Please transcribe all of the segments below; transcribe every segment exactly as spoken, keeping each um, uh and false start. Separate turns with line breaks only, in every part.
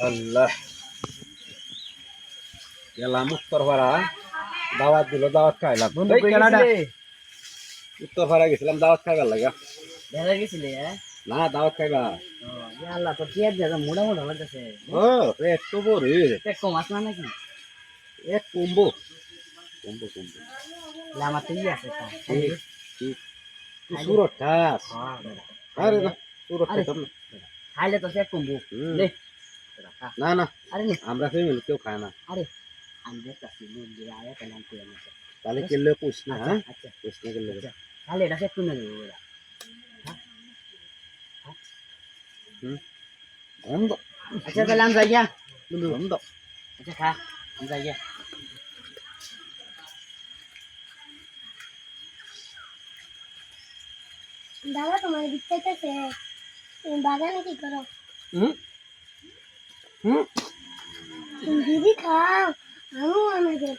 আল্লাহ গেলাম উত্তরপাড়া দাওয়াত দিল দাওয়াত খাইলাম
বন্ধু
এই
কই
কেনাডা
গেছিলে?
উত্তরপাড়া গেছিলাম দাওয়াত খাইবার লাগা
বেলা গেছিলে হ্যাঁ?
না দাওয়াত খাইবা
ও, ইয়া আল্লাহ তোর পেট দেখা মোটা মোটা লাগতেছে।
ও পেট তো বড়
পেট কম আছে না নাকি?
এক কুম্বো কুম্বো কুম্বো
লে আমার তো ই আছে তা।
ঠিক ঠিক তুই সুরত খাস
হ্যাঁ, বেটা।
আরে না সুরত
আরে,
খাইতাম না
খাইলে তো পেট কমবো।
হুম।
লে, বেটা, খা।
না না
আরে নে,
আমরা ফ্যামিলি কেউ খায় না
আরে আমি দেখতাছি মন্দিরে আয়া তাহলে আমি করে নিছি।
তাহলে কেলে পুষ না
আচ্ছা,
হ্যাঁ
আচ্ছা,
পুষ না কেলে
আচ্ছা। তাহলে এটা পেট কমে যাবে বেটা।
হুম গন্ধ
আচ্ছা তাহলে আমি যাই গিয়া। বন্ধু,
গন্ধ
আচ্ছা খা, আমি যাই গিয়া।
দাদা তোমার বিচ্ছাইতেছে তুমি বাগানে কি করো
হুম হুম
তুমি দিদি খাও আমিও আমাদের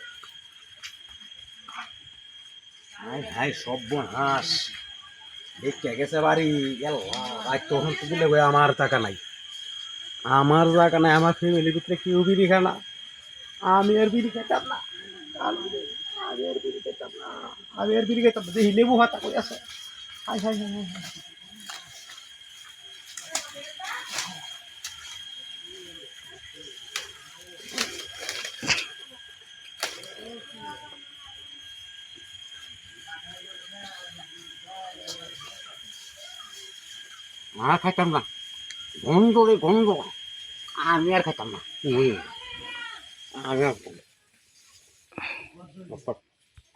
হাই হাই সর্বনাশ দেখে গেছে বাড়ি গেল আজ তখন তো দিলে ভাই আমার টাকা নাই আমার জায়গা নাই আমার ফ্যামিলির ভিতরে কেউ বিড়ি খায় না আমি আর বিড়ি খেতাম না আমি আমি আর বিড়ি খেতাম না আমি আর বিড়ি খেতাম না দেখি লেবু হাতা করে আছে হাই হাই হাই হাই হাই। আর খাইতাম না গন্ধ রে গন্ধ আমি আর খাইতাম না হুম, আমি আর খাইতাম না।